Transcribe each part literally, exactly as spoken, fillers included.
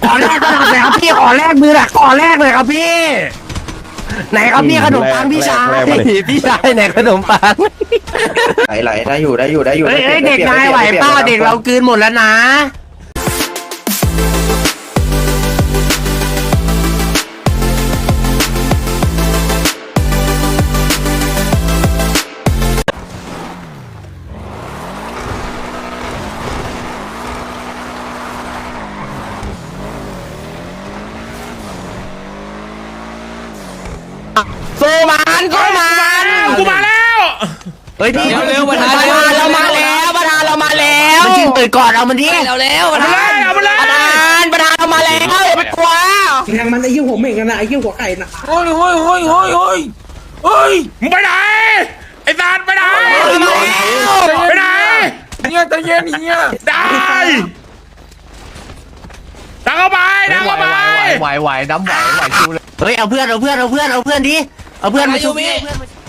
อแรกก็หน่อยครับพี่ขอแรกมือหน่อยขอแรกเลยครับพี่ไหนครับพี่ขนมปังพี่ชายพี่ชายไหนขนมปังไหลไหลได้อยู่ได้อยู่ได้อยู่เฮ้ยเด็กนายไหวเปล่าเด็กเรากืนหมดแล้วนะโซมันโซมันกูมาแล้วเฮ้ยพี่เร็วๆประธานเรามาแล้วประธานเรามาแล้วมันจริงตื่นก่อนเอามันดิเร็วเร็วประธานเอามาเลยประธานประธานเรามาแล้วอย่าไปกลัวแทงมันไอ้ยี่หัวเหม่งกันนะไอ้ยี่หัวไก่นะเฮ้ยเฮ้ยเฮ้ยเฮ้ยเฮ้ยเฮ้ยมึงไปไหนไอ้ซานไปไหนไปไหนเนี่ยใจเย็นเนี่ยได้ดังเข้าไปดังเข้าไปไหวไหวน้ำไหวไหวชูเลยเฮ้ยเอาเพื่อนเอาเพื่อนเอาเพื่อนเอาเพื่อนดิเอาเพื่อนมาชูพี่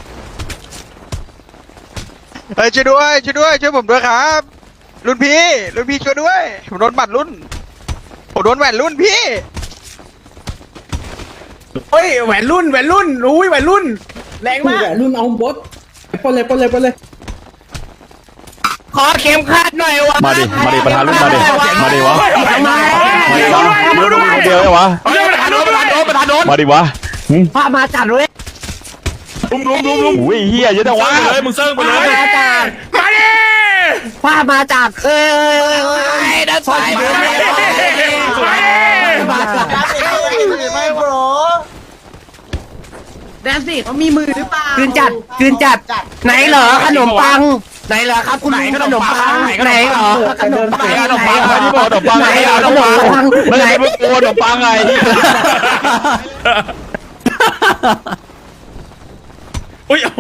เฮ้ยช่วยด้วยช่วยด้วยช่วยผมด้วยครับรุ่นพี่รุ่นพี่ช่วยด้วยผมโดนบัตรรุ่นผมโดนแหวนรุ่นพี่เฮ้ยแหวนรุ่นแหวนรุ่นอุ้ยแหวนรุ่นแรงมากรุ่นเอาบดปนเลยปนเลยปนเลยขอเข็มขัดหน่อยวะมาดิมาดิประธานรุ่นมาดิมาดิวะมาดิวะเดียวเลยวะประธานโดนประธานโดนประธานโดนมาดิวะพามาจัดเลยลุมลุมลุมลุมอุ้ยเฮียเยอะจังวะเลยมึงเซิร์ฟไปเลยมาดิพามาจัดเอ้ยเอ้ยด้านซ้ายมาไม่โปรแดนสิเขามีมือหรือเปล่าคืนจัดคืนจัดไหนเหรอขนมปังไหนเหรอครับคุณขนมปังไหนเหรอขนมปังขนมปังไหนที่บอกขนมปังไหนขนมปังไหนไม่กลัวขนมปังไงอุ้ยเอา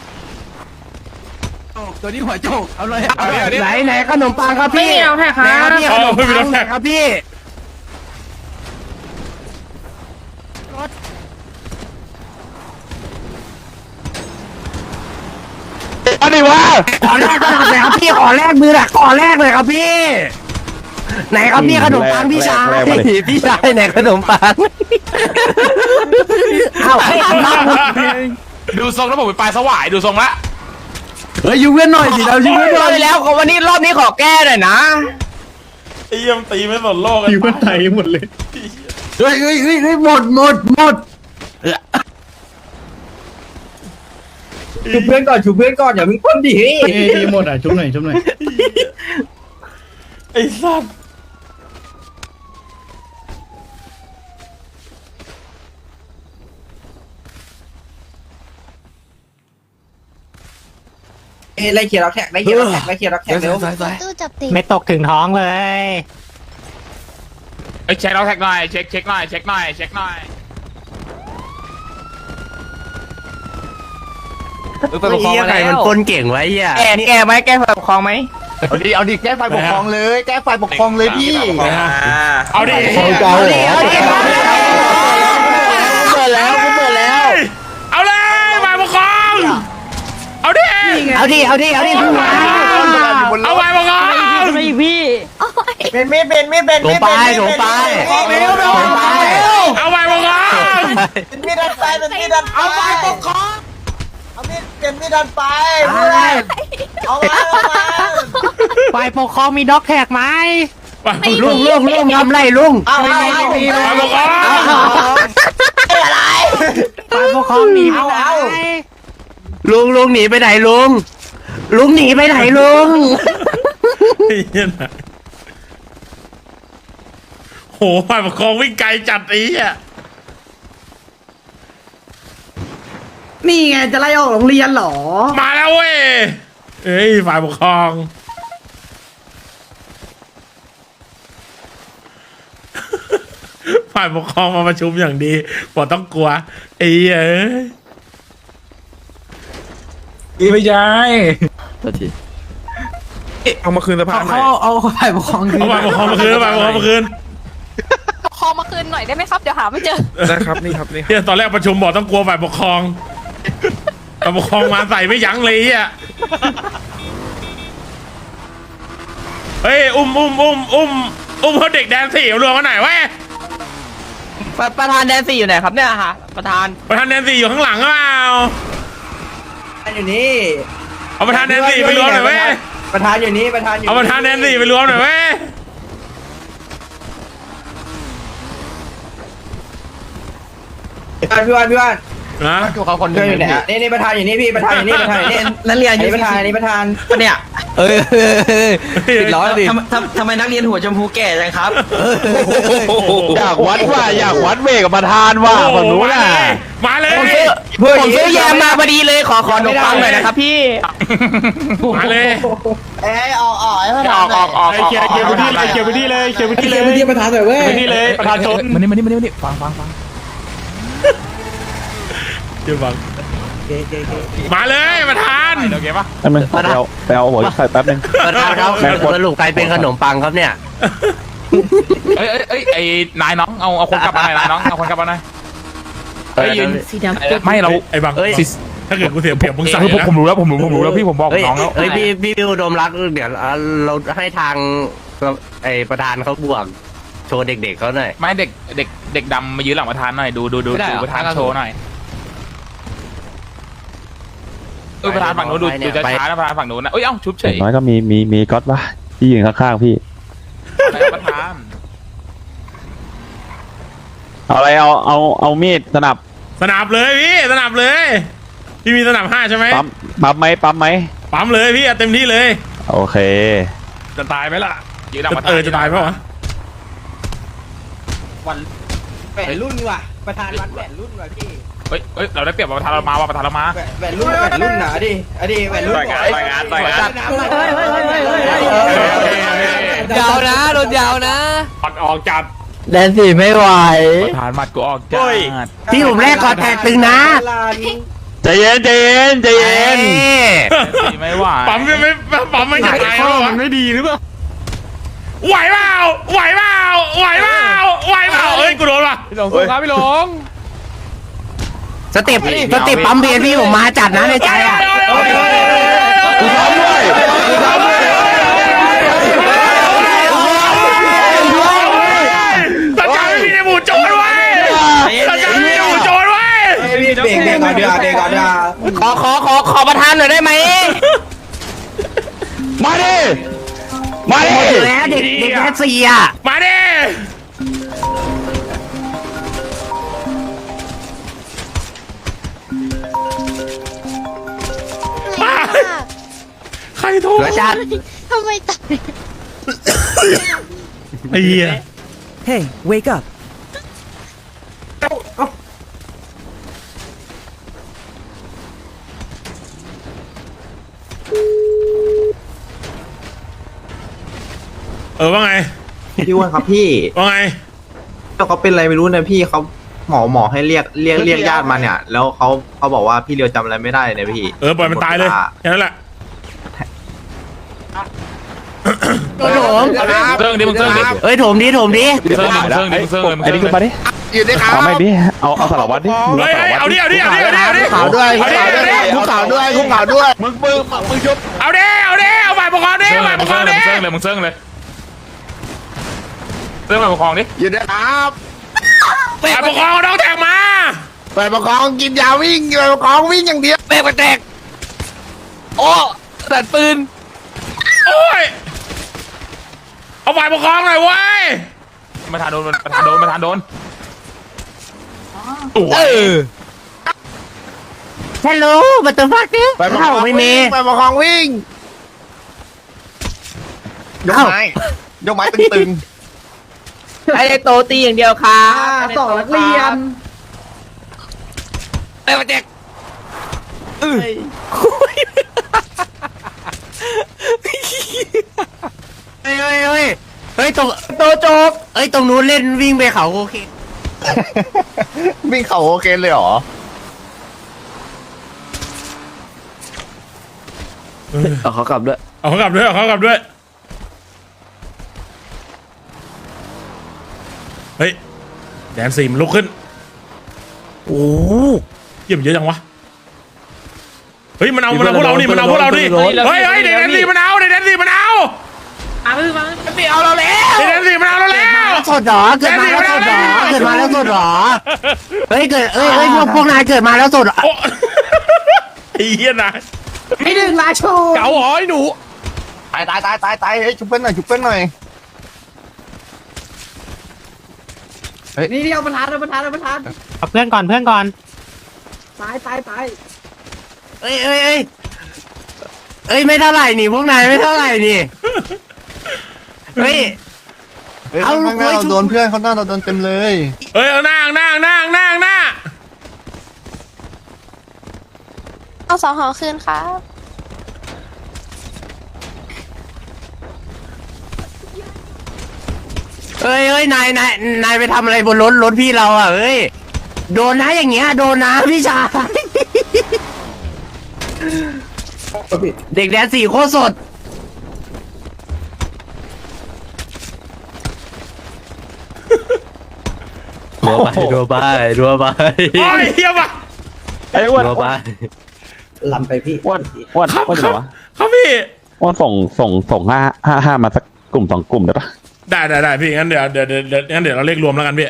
ตัวนี้หัวโจกเอาเลยไหนไหนขนมปังครับพี่ไม่เอาแค่ครับพี่ขนมปังไหนครับพี่มาดิวะขอแรกก็หน่อยครับพี่ขอแรกมือหน่อยขอแรกเลยครับพี่ไหนครับพี่ขนมปังพี่ชายพี่ชายไหนขนมปังเอ้าดูทรงแล้วผมไปปลายสวายดูทรงละเฮ้ยยูเว้นหน่อยสิเรายูเว้นหน่อยแล้ววันนี้รอบนี้ขอแก้หน่อยนะไอ้เยี่ยมตีไม่สนโลกตีมันไทยหมดเลยเฮ้ยเฮ้ยเฮ้ยหมดหมดหมดชุบเพื่อนก่อนชุบเพื่อนก่อนอย่าเพิ่งพ่นดิเฮ้ยหมดอ่ะชุบหน่อยชุบหน่อยไอ้สัสไล่เขียร์ล็อกแท็กไล่เขียร์ล็อกแท็กไล่เขียร์ล็อกแท็กเร็วตู้จับติดไม่ตกถึงท้องเลยไอ้เช็คเราแท็กหน่อยเช็คเช็คหน่อยเช็คหน่อยเช็คหน่อยไปปกครองอะไรมันปนเก่งไว้เหี้ยแกแกไหมแกฝ่ายปกครองไหมเอาดิเอาดิแก้ไฟปกครองเลยแก้ไฟปกครองเลยพี่เอาดิเอาดิเอาดิเปิดแล้วเปิดแล้วเอาเลยฝ่ายปกครองเอาดิเอาดิเอาดิเอาดิเอาฝ่ายปกครองไม่พี่เป็นไม่เป็นไม่เป็นไม่เป็นหลงไปหลงไปหลงไปเอาฝ่ายปกครองเป็นมีดันไปเป็นมีดันเอาไฟปกครองเอามีดเป็นมีดันไปเพื่อนเอามาเอามาฝ่ายปกครองมีด็อกแท็กไหมลุงลุงลุงทำไรลุงไม่มีไม่มีฝ่ายปกครองอะไรฝ่ายปกครองหนีไปไหนลุงลุงหนีไปไหนลุงลุงหนีไปไหนลุงโหฝ่ายปกครองวิ่งไกลจัดอีอ่ะนี่ไงจะไล่ออกโรงเรียนหรอมาแล้วเว้ยเอ้ยฝ่ายปกครองฝ่ายปกครองมาประชุมอย่างดีบอกต้องกลัวไอ้เอ้ยอีไม่ใช่ตัวทีเอามาคืนสภาพหน่อยเอาฝ่ายปกครองคืนเอาฝ่ายปกครองมาคืนฝ่ายปกครองมาคืนปกครองมาคืนหน่อยได้ไหมครับเดี๋ยวหาไม่เจอได้ครับนี่ครับนี่ตอนแรกประชุมบอกต้องกลัวฝ่ายปกครองฝ่ายปกครองมาใส่ไม่ยั้งเลยอ่ะเฮ้ยอุ้มอุ้มอุ้มอุ้มอุ้มเขาเด็กแดนสี่รวมกันหน่อยเว้ยประธานแดนซี่อยู่ไหนครับเนี่ยฮะประธานประธานแดนซี่อยู่ข้างหลังหรือเปล่าอยู่นี่เอาประธานแดนซี่ไปรวมหน่อยเว้ยประธานอยู่นี่ประธานอยู่เอาประธานแดนซี่ไปรวมหน่อยเว้ยพี่วันพี่วันนะเขาคนเพื่อนอยู่ไหนนี่นี่ประธานอยู่นี่พี่ประธานอยู่นี่ประธานอยู่นี่นักเรียนนี่ประธานนี่ประธานเนี่ยเออติดล้อดิทำทำทำไมนักเรียนหัวชมพูแก่จังครับอยากวัดว่าอยากวัดเวกับประธานว่าฝั่งนู้นน่ะมาเลยผมซื้อผมซื้อแยมมาพอดีเลยขอขอขนมปังหน่อยนะครับพี่มาเลยเอ้ยออกออกไอ้พออกออกออกออกเกียร์เกียร์พื้นที่เลยเกียร์พื้นที่เลยเกียร์พื้นที่เลยพื้นที่ประธานหน่อยเว้ยพื้นที่เลยประธานชนมานี่มานี่มานี่ฟังฟังฟังเดี๋ยวฟังมาเลยประธานโอเคปะแป๊บนึงไปเอาไปเอาหัวใส่แป๊บนึงประธานครับสรุปใครเป็นขนมปังครับเนี่ยเอ้ยเอ้ยเอ้ยไอ้นายน้องเอาเอาคนกลับมาหน่อยนายน้องเอาคนกลับมาหน่อยเฮ้ยยืนสีดำไม่เราไอ้บังถ้าเกิดกูเสียเปรียบมึงสั่งผมผมรู้แล้วผมรู้ผมรู้แล้วพี่ผมบอกเฮ้ยน้องแล้วเฮ้ยพี่พี่อุดมรักเดี๋ยวเราให้ทางไอประธานเขาบวกโชว์เด็กๆเขาหน่อยไม่เด็กเด็กเด็กดำมายืนหลังประธานหน่อยดูดูดูดูประธานโชว์หน่อยเออประธานฝั่งนู้นดูดูจะช้านะประธานฝั่งนู้นนะเอ้ยเอ้าชุบเฉยน้อยก็มีมีมีก๊อตปะที่ยืนข้างๆพี่ประธานเอาอะไรเอาเอาเอามีดสนับสนับเลยพี่สนับเลยพี่มีสนับห้าใช่ไหมปั๊มปั๊มไหมปั๊มไหมปั๊มเลยพี่เต็มที่เลยโอเคจะตายไหมล่ะเออจะตายไหมวะแหวนรุ่นว่ะประธานวัดแหวนรุ่นว่ะพี่เฮ้ยเฮ้ยเราได้เปรียบประธานเรามาว่ะประธานเรามาแหวนรุ่นแหวนรุ่นหนาดิอดีแหวนรุ่นยาวนะโดนยาวนะออกออกจัดแดนสี่ไม่ไหวประธานมัดกูออกจัดพี่ผมแรกกอดแตกตึงนะใจเย็นใจเย็นใจเย็นไม่ไหวปั๊มไม่ปั๊มไม่จะตายแล้วมันไม่ดีหรือเปล่าไหวเปล่าไหวเปล่าไหวเปล่าไหวเปล่าเฮ้ยกูโดนว่ะพี่หลงสู้ครับพี่หลงสเต็ปสเต็ปปั๊มเบียร์พี่ผมมาจัดนะในใจอ่ะกูพร้อมด้วยกูพร้อมด้วยสัญญาไม่มีในหมู่โจรไว้สัญญาไม่มีในหมู่โจรไว้เบรกเบรกก่อนเดี๋ยวเบรกก่อนเดี๋ยวขอขอขอขอประธานหน่อยได้ไหมมาดิมาดิแล้วเด็กเด็กแดนสี่อ่ะมาดิใครโทรเหลือจัดทำไมตายไอ้เหี้ย Hey, wake up. เออว่าไงพี่อ้วนครับพี่ว่าไงเขาเป็นอะไรไม่รู้นะพี่เขาหมอหมอให้เรียกเรียกเรียกญาติมาเนี่ย แล้วเขาเขาบอกว่าพี่เรียวจำอะไรไม่ได้เนี่ยพี่เออปล่อยมันตายเลยแค่นั้นแหละโถมเซิร์งดิมึงเซิร์งดิเอ้ยโถมดิโถมดิเซิร์งดิเซิร์งดิมึงเซิร์งเลยมึงไอ้เซิร์นี่งขึ้นมาดิอยู่ด้วยครับเอาไม่ดิเอาเอาสารวัตรดิมึงเฮ้ยเอาสารวัตรเอาดิเอาดิเอาดิเอาดิเอาดิขาวด้วยขาวด้วยคุกขาวด้วยคุกขาวด้วยมึงมึงมึงชุบเอาดิเอาดิเอาฝ่ายปกครองดิฝ่ายปกครองดิมึงเซิร์งเลยมึงเซิร์งเลยเซิร์งฝ่ายปกครองดิอยู่ด้วยครับฝ่ายปกครองน้องแท็กมาไปประคองกินยาวิ่งไปประคองวิ่งอย่างเดียวแม่กระแตกโอ้สัตว์ปืนโอ้ยเอาฝ่ายปกครองหน่อยเว้ยประธานโดนประธานโดนประธานโดนตัวฮัลโหลบัตเตอร์ฟักเนี่ยไปประคเข้าองไม่วิ่มีงไปประคองวิ่งยกไม้ยกไม้ตึงไอ้โตตีอย่างเดียวค่ะสองนักเรียนไอ้กระแตกเฮ้ยเฮ้ยเฮ้ยเฮ้ยเฮ้ยตรงโตโจกเอ้ยตรงนู้นเล่นวิ่งไปเขาโอเคๆวิ่งเขาโอเคเลยเหรอเอาเขากลับด้วยเอาเขากลับด้วยเอาเขากลับด้วยเฮ้ยแดนสี่มันลุกขึ้นโอ้เยี่ยมเยอะจังวะเฮ้ยมันเอามันเอาพวกเราดิมันเอาพวกเราดิเฮ้ยเฮ้ยเด็กแดนสี่มันเอาเด็กแดนสี่มันเอาไม่เอาเราแล้วเด็กแดนสี่มันเอาเราแล้วชสดหรอเกิดมาแล้วสดหรอเกิดมาแล้วสดหรอเฮ้ยเกิดเอ้ยเอ้ยพวกพวกนายเกิดมาแล้วสดโอ้ไอ้เหี้ยนะให้ดึงลาโชเก๋าหอยหนูตายตายตายตายตายเฮ้ยชุบเพื่อนหน่อยชุบเพื่อนหน่อยนี่นี่เอาประธานเอาประธานเอาประธานเอาเพื่อนก่อนเพื่อนก่อนตายตายตายเอ้ยเอ้ยเอ้ยเอ้ยไม่เท่าไหร่นี่พวกนายไม่เท่าไหร่นี่เฮ้ยเอาลูกเว้ยโดนเพื่อนเขาหน้าเราโดนเต็มเลยเฮ้ยเอานั่งนั่งนั่งนั่งนั่งเอาสองหอคืนครับเอ้ยเอ้ยนายนายนายไปทำอะไรบนรถรถพี่เราอ่ะเอ้ยโดนนะอย่างเงี้ยโดนนะพี่ชายเด็กแดนสี่โคตรสดรัวไปรัวไปรัวไปโอ้ยเหี้ยว่ะไอ้อ้วนรัวไปลำไปพี่อ้วนอ้วนครับอ้วนคเหรัรบอวะครับพี่อ้วนส่งส่งส่งห้าห้าห้ามาสักกลุ่มสองกลุ่มได้ปะได้ได้ได้พี่งั้นเดี๋ยวเดี๋ยวเดี๋ยวเดี๋ยวงั้นเดี๋ยวเราเรียกรวมแล้วกันพี่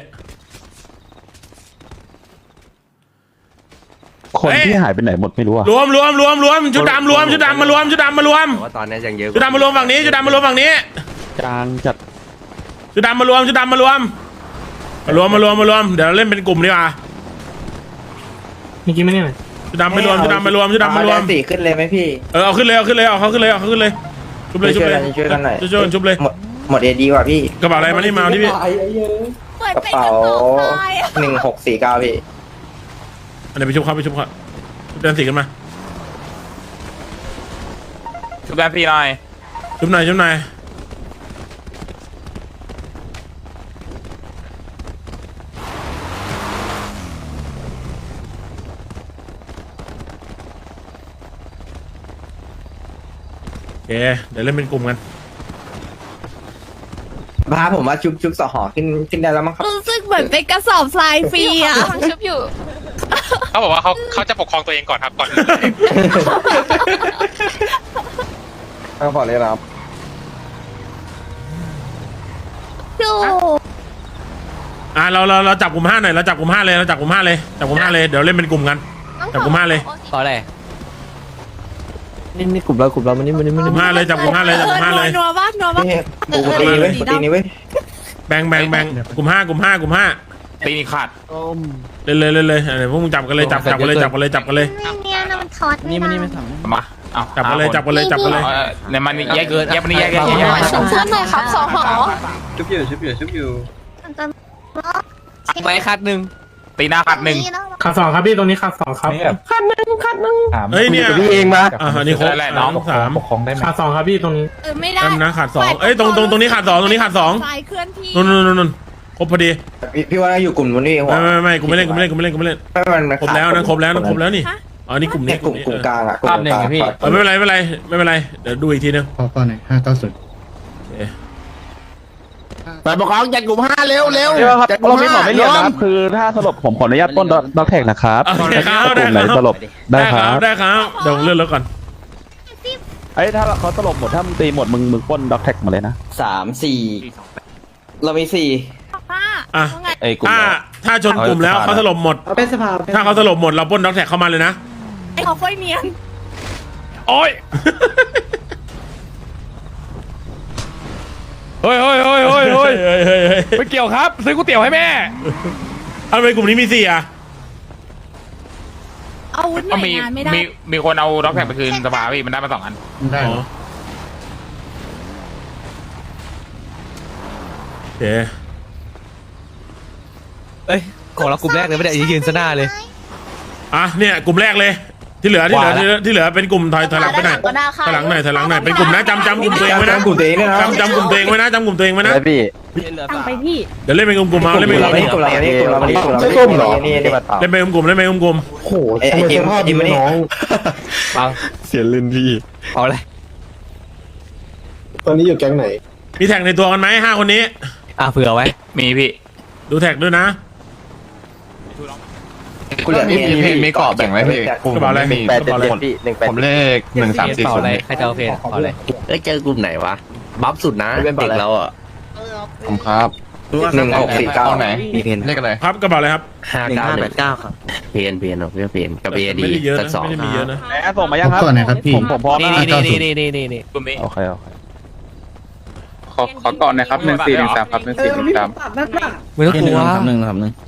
คนที่หายไปไหนหมดไม่รู้อะรวมรวมรวมรวมชุดดำรวมชุดดำมารวมชุดดำมารวมว่าตอนนี้ยังเยอะชุดดำมารวมฝั่งนี้ชุดดำมารวมฝั่งนี้จางจัดชุดดำมารวมชุดดำมารวมมารวมมารวมมารวมเดี๋ยวเราเล่นเป็นกลุ่มดีกว่ามีกี่ไม่เนี่ยชุดดำมารวมชุดดำมารวมชุดดำมารวมสี่ขึ้นเลยไหมพี่เออเอาขึ้นเลยเอาขึ้นเลยเอาเขาขึ้นเลยเอาเขาขึ้นเลยชุบเลยชุบเลยช่วยกันหน่อยช่วยกันชุบเลยหมดหมดเอดีกว่าพี่กระเป๋าอะไรมานี่มาเอาที่พี่เหมือนกระเป็นเป๋ากระสอบทรายอะหนึ่งหกสี่เก้าพี่อันนี้ไปชุบเขาไปชุบเขาชุบแดนสีกันมาชุบแดนสีหน่อยชุบหน่อยชุบหน่อยโอเคเดี๋ยวเล่นเป็นกลุ่มกันพาผมว่าชุบชุบสอหอขึ้นขึ้นได้แล้วมั้งครับรู้สึกเหมือนเป็นกระสอบทรายฟรีอ่ะชุบอยู่เขาบอกว่าเขาเขาจะปกครองตัวเองก่อนครับก่อนเอาพอเลยครับดูอ่ะเราเราเราจับกลุ่มห้าหน่อยเราจับกลุ่มห้าเลยเราจับกลุ่มห้าเลยจับกลุ่มห้าเลยเดี๋ยวเล่นเป็นกลุ่มกัน จับกลุ่มห้าเลยต่ออะไรนี่นี่กลุ่มเรากลุ่มเรามันนี่มันนี่มันกลุ่มห้าเลยจับกลุ่มห้าเลยจับกลุ่มห้าเลยนัวบ้างนัวบ้างนี่กูตีเว้ยกูตีนี่เว้ยแบ่งแบ่งแบ่งกลุ่มห้ากลุ่มห้ากลุ่มห้าตีนี่ขาดเล่นเลยเล่นเลยเดี๋ยวพวกมึงจับกันเลยจับจับกันเลยจับกันเลยจับกันเลยเนี่ยนะมันทอดนี่มันนี่ไม่ทมาเอาจับกันเลยจับกันเลยจับกันเลยในมันแยกแยกมันแยกแยกแยกชุบเพื่อนหน่อยครับสองหอชุบอยู่ชุบอยู่ชุบอยู่ำไปคัดหนึ่งตีหน้าขาดหนึ่งขาสองครับพี่ตรงนี้ขาสองครับเฮ้ยเนี่ยพี่เองมาอ่านี่ครบแหละน้องสามขาสองครับพี่ตรงนี้เออไม่ได้แป๊บนะขาดสองเอ้ยตรงตรงตรงนี้ขาดสองตรงนี้ขาดสองทรายเคลื่อนที่นู่นนู่นนู่นนู่นครบพอดีพี่พี่ว่าอยู่กลุ่มนู้นนี่หัวไม่ไม่ไม่กูไม่เล่นกูไม่เล่นกูไม่เล่นกูไม่เล่นไม่มันครบแล้วนะครบแล้วนะครบแล้วนี่อ๋อนี่กลุ่มเนี่นี้ยกลุ่มกลุ่มกลางอ่ะกลุ่มกลางเออไม่เป็นไรไม่เป็นไรไม่เป็นไรเดี๋ยวดูอีกทีนึงพอก่อนหน่อยห้าเก้าศูนย์ฝ่ายปกครองจัดกลุ่มห้าเร็วเร็วเดี๋ยวครับเราไม่บอกไม่เรียนนะครับคือถ้าสลบผมขออนุญาตปล้นด็อกแท็กนะครับโอเคครับกได้ลุ่มไหนครับสลบได้ครับได้ครับเดี๋ยวผมเลื่อนรถก่อนไอ้ยถ้าเขาสลบหมดถ้ามึงตีหมดมึงมึงปล้นด็อกแท็กมาเลยนะสามสี่เรามีสี่ป้าอ่ะว่าไงไอ้กลุ่มถ้าถ้าชนกลุ่มแล้วเขาสลบหมดเป็นสภาถ้าเขาสลบหมดเราปล้นด็อกแท็กเข้ามาเลยนะไอ้เขาค่อยเนียนโอ้ยเฮ้ยเฮ้ยเฮ้ยเฮ้ยเฮ้ยเฮ้ยเฮ้ยเฮ้ยไม่เกี่ยวครับ ซื้อก๋วยเตี๋ยวให้แม่ทำไมกลุ่มนี้มีสี่อ่ะอาวุธหน่ก็วยมีงานไม่ได้มีมีคนเอาด็อกแท็กไปคืนสภาพี่มันได้มาสองอันได้อ๋อโอเคเอ้ยของเรากลุ่มแรกเลยไม่ได้ยืนซะหน้าเลยอ่ะเนี่ยกลุ่มแรกเลย ที่เหลือที่เหลือที่เหลือที่เหลือเป็นกลุ่มถอยถอยหลังไปหน่อยก็ได้ค่ะถอยหลังหน่อยถอยหลังหน่อยเป็นกลุ่มนะจำจำกลุ่มตัวเองไว้นะกลุ่มตัวเองด้วยนะจำจำกลุ่มตัวเองไว้นะจำกลุ่มตัวเองไว้นะพี่ตั้งไปพี่เดี๋ยวเล่นเป็นกลุ่มๆเอาเล่นเป็นกเราลุ่มไม่กลุ่มเราไม่กลุ่มเราไม่กลุ่มเราไม่ไม่กกลุ่ลุ่มมเหรอนี่นี่ๆเล่นเป็นกลุ่มๆเล่นเป็นกลุ่มโอ้โหไอ้ไอ้เกมยิมไม่ได้ฟังเสียลื่นพี่เอาเลยตอนนี้อยู่แก๊งไหนๆมีแท็กในตัวกันไหมห้าคนนี้อ่ะเผื่อไว้มีพี่ดูแท็กด้วยนะกูเหลือมีมีมีกรอบแบ่งไว้พี่กระเป๋าอะไรแปดเจ็ดเจ็ดพี่หนึ่งแปดผมเลขหนึ่งสามสี่เป่าศูนอะไรย์ใครจะเอาเพลงเป่าอะไรเอ้ยเจอกลุ่มไหนวะ บัฟสุดนะเด็กเราอ่ะผมครับหนึ่งหกสี่เก้ามีเพนเลขอะไรครับกระเป๋าอะไรครับห้าเก้าแปดเก้าครับเพนเพนเนาะเพื่อเพนกับเอดีไม่ได้เยอะสันะกสองไม่ได้มีเยอะนะแล้วส่งมายังครับผมผมพร้อมนี่นะนี่นี่นี่นี่นี่กลุ่มนี้โอเคโอเคขอขอก่อนนะครับหนึ่งสี่หนึ่งสามครับหนึ่งสี่หนึ่งสามไม่ต้องกลัวหนึ่งครับหนึ่ง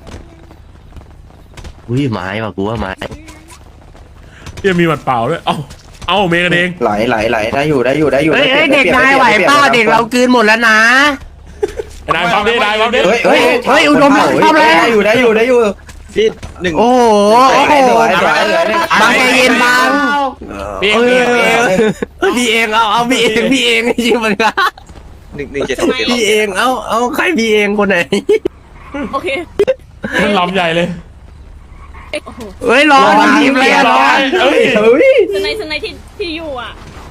อุ้ยไม้ว่ะกูว่าไม้ยังมีหมัดเปล่าด้วยเอ้าเอ้าเมย์กันเองไหลไหลไหลได้อยู่ได้อยู่ได้อยู่เฮ้ยเฮ้ยเด็กนายไหวเป้าเด็กเรากลืนหมดแล้วนะนายฟังดินายฟังดิเฮ้ยเฮ้ยเฮ้ยอุดมหลังเข้าแล้วได้อยู่ได้อยู่ได้อยู่พี่หนึ่งโอ้โหโอ้โหสวยสวยสวยบางใจเย็นบางพี่เองพี่เองพี่เองพี่เองเอาเอาพี่เองพี่เองจริงมันก็หนึ่งหนึ่งเจ็ดพี่เองเอาเอาใครพี่เองคนไหนโอเคมันลำใหญ่เลยโอ้โหเฮ้ยรอทีมเลยร้รออยเอ้ยเฮ้ยสไนสไนที่ที่อยู่อ่ะ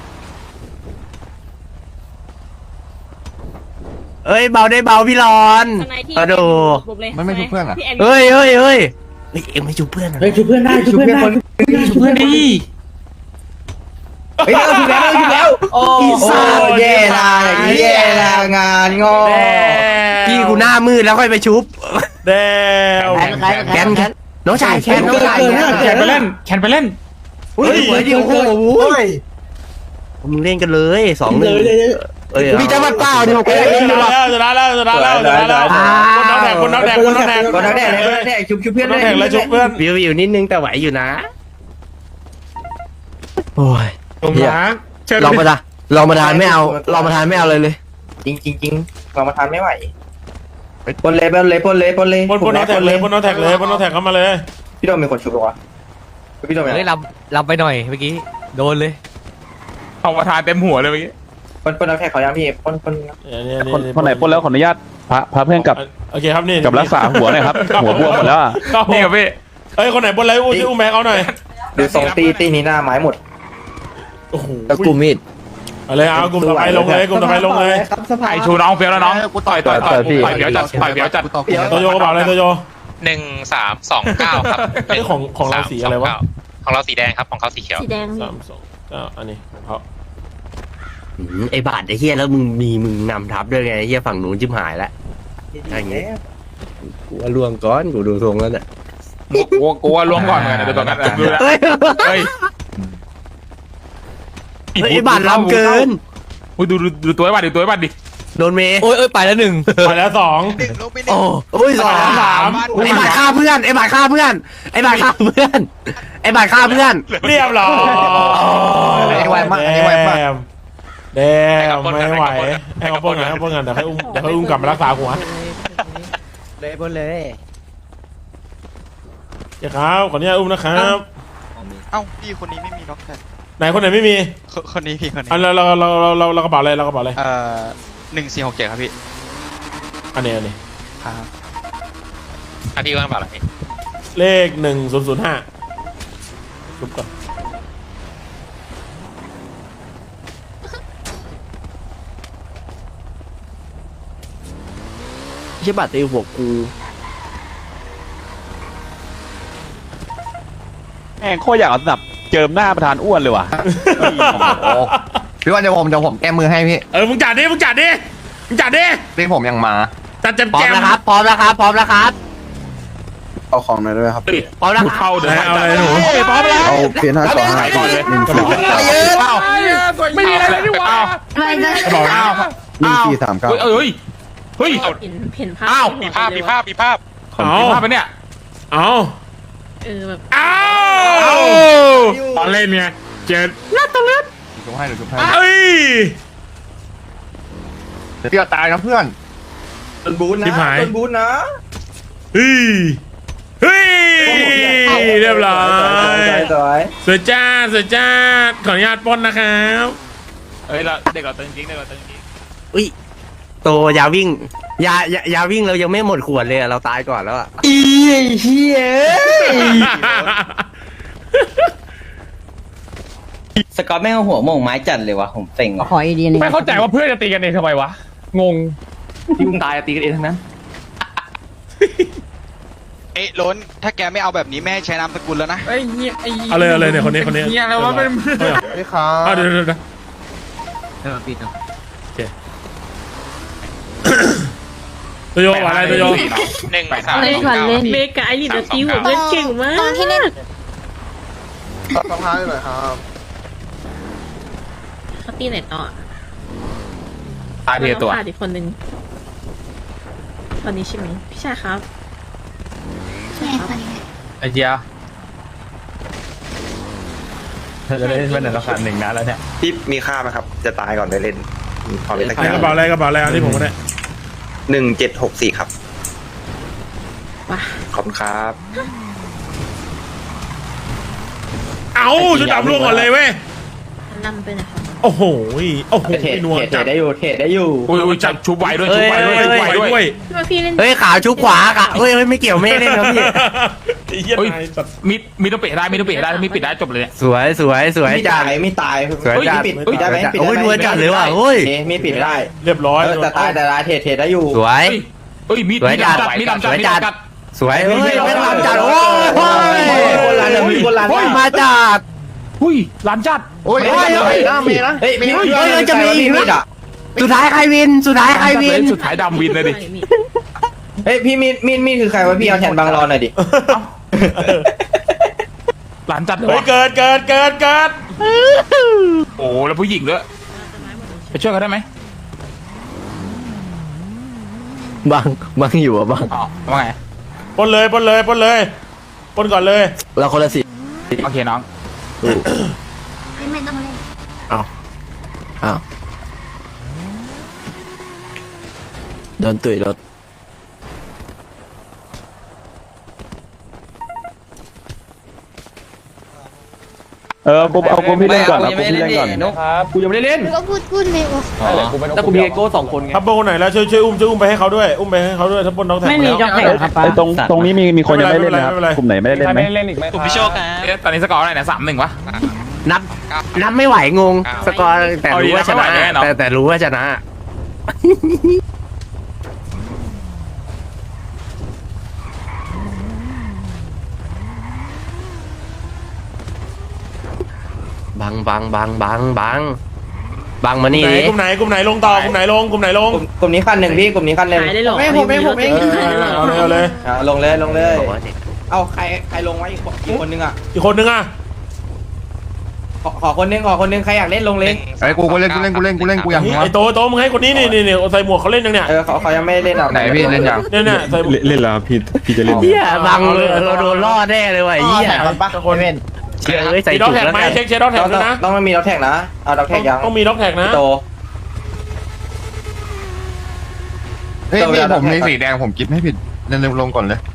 เอ้ยเบาได้เบาพี่รอนสไนที่มาดูบุบเลยมันไม่ชุบเพื่อนอ่ะพี่แอนเฮ้ยเฮ้ยเฮ้ยเฮ้ยเอ็งไม่จูบเพื่อนเหรอเฮ้ยช่วยเพื่อนได้ช่วยเพื่อนได้ช่วยเพื่อนดีเฮ้ยเอาถึงแล้วถึงแล้วโอ้แย่ละแย่ละงานงอพี่กูหน้ามืดแล้วค่อยไปชุบแดวแคนแคนน้องชายแคนน้องชายแคนแคนไปเล่นแคนไปเล่นเฮ้ยสวยดิโอ้โหมึงเล่นกันเลยสองหนึ่งเอ้ยมีจังหวัดเปล่าดิผมเฮ้ก็ยเล่นชดีนะกว่าแล้วชนะแล้วชนะแล้วชนะแล้วคนน้องแดกคนน้องแดกคนน้องแดกก็นักแดดเลยนักแดดชุบชุบเพื่อนน้ได้องแดกแล้วชุบเพื่อนวิวอยู่นิดนึงแต่ไหวอยู่นะโอ้ยตรงนั้เชิญเรามาทานเรามาทานไม่เอาเรามาทานไม่เอาเลยเลยจริงจริงจริงเรามาทานไม่ไหวปนเลยปนเลยปนเลยปนเลยบนบนน้องแท็กเลยบนน้องแท็กเลยบนน้องแท็กเข้ามาเลยพี่โดมมีคนชุบหรอวะพี่โดมเฮ้ยเราเราไปหน่อยเมื่อกี้โดนเลยเอาประธานเต็มหัวเลยเมื่อกี้ปนปนน้ำแข็งขอยังพี่ปนปนคนคนไหนปล้นแล้วขออนุญาตพระพระเพื่อนกับโอเคครับนี่กับรักษาหัวหน่อยครับหัวบวมหมดแล้วอะนี่ครับพี่เอ้ยคนไหนบนไรอุ้ยอุ้มแม็กเอาหน่อยดูสองตีตีนี้หน้าไม้หมดโอ้โหตะกุมีดอะไรเอากลุ่มต่อไปลงเลยกลุ่มต่อไปลงเลยไอชูน้องเฟี้ยวแล้วน้องกูต่อยต่อยต่อยต่อยเฟี้ยวจัดต่อยเฟี้ยวจัดโตโยกระเป๋าอะไรโตโยหนึ่งสามสองเก้าครับไอ้ของของเราสีอะไรวะของเราสีแดงครับของเขาสีเขียวสีแดงสามสองเก้าอันนี้ของเขาไอ้บาทไอ้เฮียแล้วมึงมีมึงนำทับด้วยไงไอ้เฮียฝั่งหนูจิ้มหายแล้วอย่างเงี้ยกูว่าล่วงก้อนกูดูทรงแล้วเนี่ยกูกูว่าล้วงก่อนเหมือนกันเดี๋ยวตัวกันดูแลเฮ้ยเฮ้ยไอ้บาทล้ำเกินดูดูดูตัวไอ้บัตรดูตัวไอ้บัตรดิโดนเมย์โอ้ยเอ้ยไปแล้วหนึ่งไปแล้วสองหนึ่งลงไปหนึ่โอ้งโอ้ยสองสามไอ้บาทฆ่าเพื่อนไอ้บาทฆ่าเพื่อนไอ้บาทฆ่าเพื่อนไอ้บาทฆ่าเพื่อนเรียบร้อยอันนี้ไวมากอันนี้ไวมากแดมไม่ไหวให้เขาป้องกันให้เขาป้องกันเดี๋ยวให้อุ้มเดี๋ยวให้อุ้มกลับมารักษาหัวเลยบนเลยเดี๋ยวครับขออนุญาตอุ้มนะครับเอ้าพี่คนนี้ไม่มีล็อกแท็กไหนคนไหนไม่มีคนนี้พี่คนนี้อันเราเราเราเราเราเรากระเป๋าอะไรเรากระเป๋าอะไรเอ่อหนึ่งสี่หกเจ็ดครับพี่อันนี้อันนี้ครับอ่ะพี่ว่างเปล่าล่ะพี่เลขหนึ่งศูนย์ศูนย์ห้าชุบก่อนใช่บาทตีหัวกูแม่งโคตรอยากเอาสนับเจิมหน้าประธานอ้วนเลยว่ะพี่ว่าเดี๋ยวผมเดี๋ยวผมแก้มือให้พี่เออมึงจัดดิมึงจัดดิมึงจัดดิพี่ผมยังมาจัดแจมพร้อแจมมแล้วครับพร้อมแล้วครับพร้อมแล้วครับเอาของหน่อยด้วยครับพร้อมแล้วครับเข้าเดี๋ยวเอาอะไรหนูพร้อมแล้วเอาเพียนห้าสองห้าก่อนเลยหนึ่งสี่ไม่มีอะไรเลยดีกว่าบอกนะหนึ่งสี่สามเก้าเฮ้ยเฮ้ยเห็นเห็นภาพอ้าวมีภาพมีภาพมีภาพเอามีภาพปะเนี่ยเอาเออแบบเอาตอนเล่นไงเจ็ดจุ๊บให้เดี๋ยวจุ๊บให้เอ้ยพี่ตายนะเพื่อนโดนบูนนะโดนบูนนะเฮ้ยเฮ้ยเรียบร้อยสวยสวยจ้าสวยจ้าขออนุญาตปล้นนะครับเฮ้ยเราเด็กเราตึงจริงเด็กเราตึงจริงอุ้ยโตยาวิ่งยายายาวิ่งเรายังไม่หมดขวดเลยอะเราตายก่อนแล้วอะอีเฮียสกอตแม่งหัวโมงไม้จัดเลยวะผมเซ็งขออีดีนึงไม่เข้าใจว่าเพื่อนจะตีกันเองทำไมวะงงที่มึงตายตีกันเองทั้งนั้นเอ๊ะล้นถ้าแกไม่เอาแบบนี้แม่ให้ใช้นามสกุลแล้วนะไอ้เหี้ยไอ้เอาเลยเอาเลยเนี่ยคนนี้คนนี้เหี้ยแล้วว่าเป็นพี่ครับเอาเดี๋ยวเดี๋ยวเดี๋ยวเออปิดโอเคตัวโยอะไรตัวโยหนึ่งสามเล่นสองก่อนเก้าเล่นพี่เมกาไอริดตีหัวเพื่อนเก่งมากตรงที่เล่นสภาพหน่อยครับเขาตีไหนต่อตายเดียวตัวขาดอีกคนนึงตอนนี้ใช่ไหมพี่ชายครับไอ้เจียจะได้เป็นราคาหนึ่งนะแล้วเนี่ยพี่มีค่าไหมครับ จะตายก่อนได้เล่นขอเล่นตะไอ้กระเป๋าอะไรกระเป๋าอะไรอันนี้ผมก็ได้หนึ่งเจ็ดหกสี่ครับว้าขอบคุณครับเอาชุดดำล่วงก่อนเลยเว้ยนำไปไหนครับโอ้โหโอ้โหเทรดนัวเทรจัดดได้อยู่เทรดได้อยู่อุ้ยอุ้ยจับชุบไวด้วยชุบไวด้วยชุบไวด้วยพี่มาพี่เล่นเฮ้ยขาวชุบขวาค่ะเฮ้ยไม่เกี่ยวไม่เล่นครับพี่ไอ้เหี้ยเฮ้ยนายสัตว์มีมีต้องเปะได้มีต้องเปะได้มีปิดได้จบเลยเนี่ยสวยสวยสวยไม่จัตาดยไม่ตายสวยจัดปิดปิดได้ไหมปิดโอ้ยได้ไหมนัวจัดเลยว่ะเฮ้ยเอ๊ะมีปิดไม่ได้เรียบร้อยเออแต่ตายแต่ตายเทรดเทรดได้อยู่สวยเฮ้ยมีดสวยมีดจัดจัดมีดจัดสวยมีดจัดจัดสวยเฮ้ยไม่ทำจัดโอ้ยคนละมีคนละโอ้ยมาจัดหุ้ยร้านจัดโอ้ยเฮ้ยเฮ้ยเมีนะเฮ้ยมีเฮ้ยเฮ้ยจะมีอีกมีดอ่ะสุดท้ายใครวินสุดท้ายใครวินสุดท้ายดำวินเลยดิเฮ้ยพี่มีดมีดมีดคือใครวะพี่เอาแทนบางรอนหน่อยดิร้านจัดเลยเฮ้ยวะเกิดเกิดเกิดเกิดโอ้แล้วผู้หญิงด้วยไปช่วยเขาได้ไหมบังบังอยู่อ่ะบังอ๋อว่าไงปนเลยปนเลยปนเลยปนก่อนเลยเราคนละสิโอเคน้องไม่ต้องเล่นอ้าวอ้าวโดนตุ๋ยรถเออกูเอากูพี่เล่นก่อนเอากูพี่เล่นก่อนกูยังไม่ได้เล่นก็พูดพูดเลยว่ะแต่กูมีไอโก้สองคนไงทับโบคนไหนแล้วช่วยช่วยอุ้มช่วยอุ้มไปให้เขาด้วยอุ้มไปให้เขาด้วยถ้าปนน้องแท็กไม่มีจ็อกแท็กครับไอตรงตรงนี้มีมีคนยังไม่เล่นนะครับไม่เป็นไรกลุ่มไหนไม่ได้เล่นไหมกลุ่มพี่โชคครับเอ๊ะตอนนี้สกอร์อะไรเนี่ยสามหนึ่งวะนับนับไม่ไหวงงสกอร์แต่รู้ว่าชนะเอาดีนะไม่ไหวแน่เนอะแต่แต่รู้ว่าชนะ บังบังบังบังบังบังมานี่ไหนดิกลุ่มไหนกลุ่มไหนลงต่อกลุ่มไหนลงกลุ่มไหนลงกลุ่มกลุ่มนี้คันหนึ่งพี่กลุ่มนี้คันหนึ่งขายได้หรอไม่ผมไม่ผมเองเออเอาเลยเอาเลยอ่าลงเลยลงเลยบอกว่าเด็กเอาใครใครลงไว้อีกคนอีกคนนึงอ่ะอีกคนนึงอ่ะขอขอคนนึงขอคนนึงใครอยากเล่นลงเลยไอ้กูกูเล่นกูเล่นกูเล่นกูเล่นกูอยากไอ้โตโตมึงให้คนนี้นี่นี่นี่ใส่หมวกเขาเล่นยังเนี่ยเออเขาเขายังไม่เล่นอ่ะไหนพี่เล่นยังเนี่ยเนี่ยใส่หมวกเล่นแล้วพี่พี่จะเล่นเฮียบังเลยเราโดนล่อแน่เลยว่ะไอ้เฮียคนเล่นเชื่อเอ้ยใส่มีด็อถุกงแท็กแล้วไหมกันเช็คเช็คด็อกแท็กต้องด้วยนะต้องไม่มีด็อกแท็กนะเอาด็อกแท็กยังต้องมีด็อกแท็กนะโตเฮ้ยพี่ผมในสีแดงผมกิฟให้ผิดเล่นลงก่อนเลย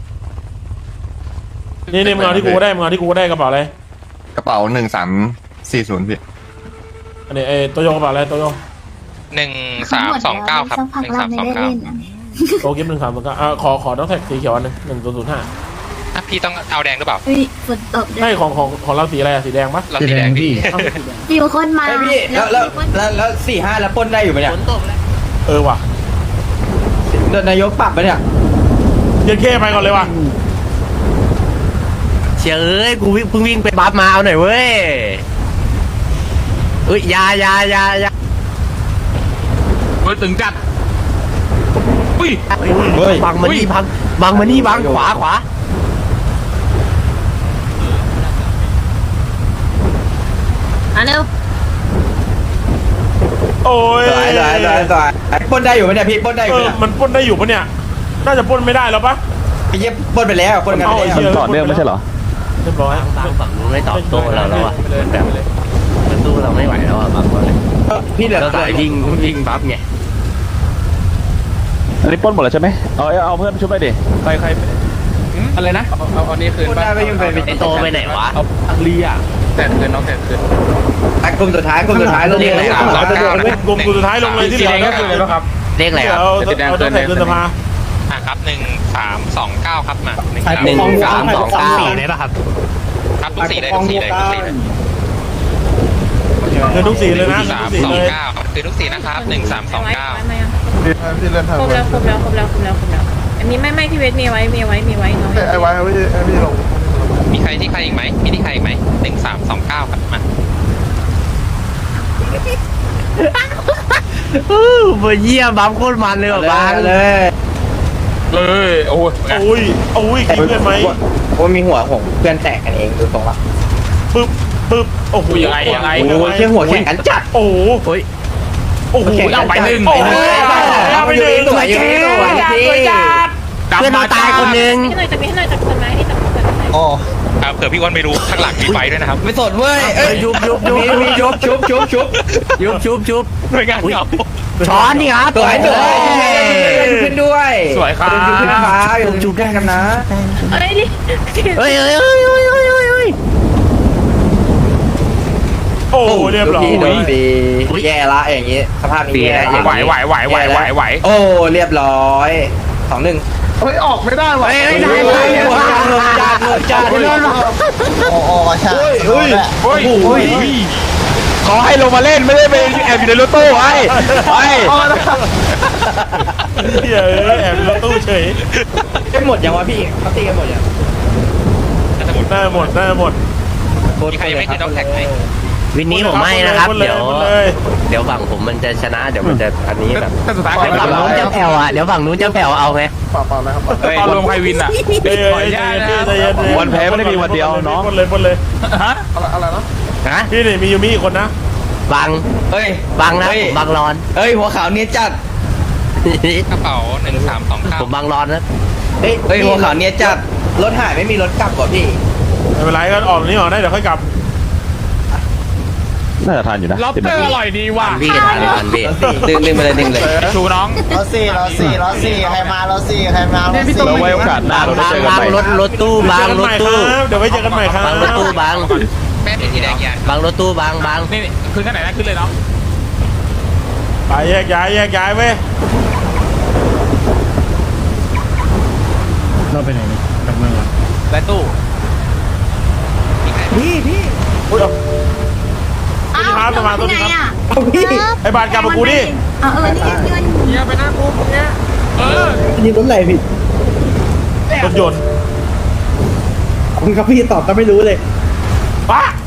นี่นี่มึงเอาที่กูก็ได้มึงเอาที่กูก็ได้กระเป๋าอะไรกระเป๋าหนึ่งสามสี่ศูนย์พี่อันนี้เอโตโยกระเป๋าอะไรโตโยหนึ่งสามสองเก้าครับหนึ่งสามสองเก้าโตกิฟหนึ่งสามสองเก้าอ่าขอขอด็อกแท็กสีเขียวอันหนึงหนึ่งศูนย์ศูนย์ห้าอ่ะพี่ต้องเอาแดงหรือเปล่าเฮ้ยฝนตกด้วยให้ของของของเราสีอะไรอะสีแดงปะเราสีแดงพี่อยู่คนมาเฮ้ยพี่แล้วแล้วแล้วแล้วสี่ห้าแล้วปล้นได้อยู่ไหมเนี่ยเออว่ะโดนนายกปรับไปะเนี่ยเย็นเข้ไปก่อนเลยว่ะเชื่อเอ้ยกูวิ่งเพิ่งวิ่งไปบัฟมาเอาหน่อยเว้ยเอ้ยอยาอยาอยาอยาเฮ้ยตึงจัดอุ้ยเฮ้ยบังมานี่บังบังมานี่บังขวาขวาอ่ะเร็วโอ้ยสวยสวยสวยสวยปล้นได้อยู่ไหมเนี่ยพี่ปล้นได้อเอยู่ไหมอเนี่ยมันปล้นได้อยู่ปะเนี่ยน่าจะปล้นไม่ได้แล้วปะไอ้เหี้ยปล้นไปแล้วปล้นกันไปเอาไอ้แล้วเหี้ยต่อเนื่องไม่ใช่เหรอเรียบร้อยบังฝั่งนู้นไม่ตอบโต้เราแล้วอ่ะมันแบบมันสู้เราไม่ไหวแล้วอ่ะบังก่อนเลยพี่เหลือเราสายวิ่งวิ่งบัฟไงอันนี้ปล้นหมดแล้วใช่ไหมเอาเอาเพื่อนช่วยไปดิใครใครอะไรนะเอาอันนี้คืนปล้นได้ไม่ยุ่งไปไอโตไปไหนวะอังลีอ่ะแต่คืนน้องแต่คืนกลุ่มสุดท้ายกลุ่มสุดท้ายลงเลยสามสองเก้านะกลุ่มสุดท้ายลงเลยที่เหลือก็คืออะไรบ้างครับเลขอะไรครับเอาเอาต้องแท็กเกินสภาอ่ะครับหนึ่งสามสองเก้าครับมาหนึ่งหนึ่งสามสองเก้าครับทุกสีเลยทุกสีเลยทุกสีเลยเงินทุกสีเลยนะสามทุกสีสองเลยเก้าคือทุกสีนะครับหนึ่งสามสองเก้าพี่เล่นทางครบแล้วครบแล้วครบแล้วครบแล้วครบแล้วอันนี้ไม่ไม่พี่เวทมีไว้มีไว้มีไว้น้องไอ้ไว้พี่ไอ้พี่ลงมีใครที่ใครอีกไหมมีที่ใครอีกไหมหนึ่งสามสองเก้าครับมาอู้หูเยี่ยมบัฟโคตรมันเลยว่ะบังเลยเลยโอ้ยโอ้ยโอ้ยกินเพื่อนไหมว่ามีหัวของเพื่อนแตกกันเองดูตรงละปึ๊บปึ๊บโอ้โหยังไงยังไงโอ้ยเชี่ยหัวแข่งกันจัดโอ้โหโอ้โหเอาไปหนึ่งเอาไปหนึ่งสวยเจ๊สวยเจ๊เพื่อนเราตายคนนึงให้หน่อยจะมีให้หน่อยจะคนไหมนี่จะคนไหมโอ้ครับเผื่อพี่อ้วนไม่รู้ข้างหลังมีไฟด้วยนะครับไม่สดเว้ยเอ้ยยุบยุบยุบมีชุบชุบชุบชุบยุบชุบชุบไม่งั้นเหงาช้อนนี่ครับสวยสวยขึ้นด้วยสวยครับขึ้นฟ้าอยู่ชุบได้กันนะเอ้ยดิเฮ้ยเฮ้ยเฮ้ยเฮ้ยเฮ้ยเฮ้ยโอ้เรียบร้อยโดนปีแย่ละอย่างงี้สภาพนี้แย่ไหวไหวไหวไหวไหวไหวโอ้เรียบร้อยสองหนึ่งเฮ้ยออกไม่ได้ว่ะเฮ้ยได้ได้ได้เงินจานเงินจานโอ้โหใช่เฮ้ยโอ้ยโอ้ยขอให้ลงมาเล่นไม่ได้ไปแอบอยู่ในรถตู้ไอ้ไอ้เฮ้ยแอบรถตู้เฉยไม่หมดยังวะพี่เขาตีกันหมดยังได้หมดได้หมดมีใครยังไม่ติดด็อกแท็กไหมวินนี้ผมไม่นะครับหมดเลยเดี๋ยวหมดเลยเดี๋ยวฝั่งผมมันจะชนะเดี๋ยวมันจะอันนี้แบบแต่สุดท้ายเดี๋ยวฝั่งนู้นจะแผ่วอ่ะเดี๋ยวฝั่งนู้นจะแผ่วเอาไงตอนลงไพวินอ่ะเฮ้ยใจเย็นวันแพ้ไม่ได้มีวันเดียวน้องหมดเลยหมดเลยฮะฮะพี่นี่มียูมิอีกคนนะบังเฮ้ยบังนะผมบังรอนเฮ้ยหัวขาวเนี้ยจัดกระเป๋าหนึ่งสามสองเก้าผมบังรอนนะเฮ้ยเฮ้ยหัวขาวเนี้ยจัดรถหายไม่มีรถกลับก่อนพี่ไม่เป็นไรก็ออกนี้ออกได้เดี๋ยวค่อยกลับน่าจะทานอยู่นะล็อบเตอร์อร่อยดีว่ะพี่ทานทันพี่ดึงดึงไปเลยดึงเลยชูน้องรถสี่รถสี่รถสี่ใครมารถสี่ใครมารถสี่เราไว้โอกาสหน้าบังเราได้บังเจอกันบังใหม่รถรถตู้บังรถตู้เดี๋ยวไว้เจอกันใหม่ครับบังรถตู้บังแม่เป็นที่แดงยานบังรถตู้บังบังนี่ขึ้นขั้นไหนนะขึ้นเลยเนาะไปแยกย้ายแยกย้ายเว้ยเราไปไหนนี่กลับเมืองเหรอไปตู้พี่พี่อุ้ยเอาสวัสดีครับสมาสวัสดีครับพี่ไอ้บาทกลับมากูดิเออเออนี่เงินเนี่ยไปหน้ากูเนี่ยเออนี่รถอะไรพี่รถยนต์คุณครับพี่ตอบก็ไม่รู้เลยป้า